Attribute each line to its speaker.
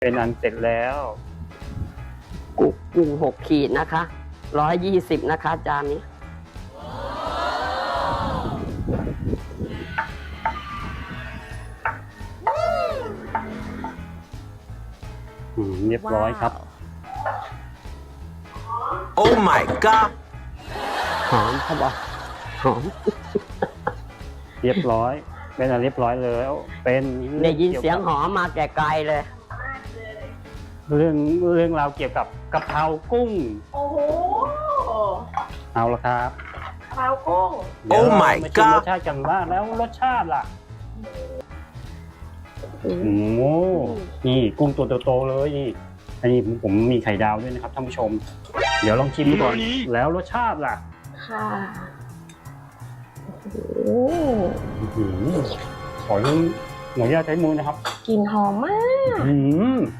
Speaker 1: เป็นอันเสร็จแล้ว
Speaker 2: กุ้ง6 ขีดนะคะ120นะคะจานนี้
Speaker 1: เรียบร้อยครับ
Speaker 3: Oh my god
Speaker 2: หอมเขาบอกหอม
Speaker 1: เรียบร้อย เป็นอันเรียบร้อยแล้ว เป็น
Speaker 2: ได้ยินเสียงหอมมาแต่ไกลเลย
Speaker 1: เรื่องราวเกี่ยวกับกะเพรากุ้ง
Speaker 4: โอ้โห
Speaker 1: เอาละครับ
Speaker 4: ปลากุ้ง
Speaker 1: เดี๋ยว
Speaker 3: Oh
Speaker 1: เรา
Speaker 3: my
Speaker 1: มาชิม
Speaker 3: god
Speaker 1: รสชาติกันบ้างแล้วรสชาติล่ะโอ้โหนี่กุ้งตัวโตๆเลยนี่อันนี้ผมมีไข่ดาวด้วยนะครับท่านผู้ชม เดี๋ยวลองชิมดูก่อนแล้วรสชาติล่ะ
Speaker 4: ค่ะโอ้โห
Speaker 1: อื้อหือขออนุญาตใช้มือนะครับ
Speaker 4: กลิ่นหอมมาก
Speaker 1: อื้อหือ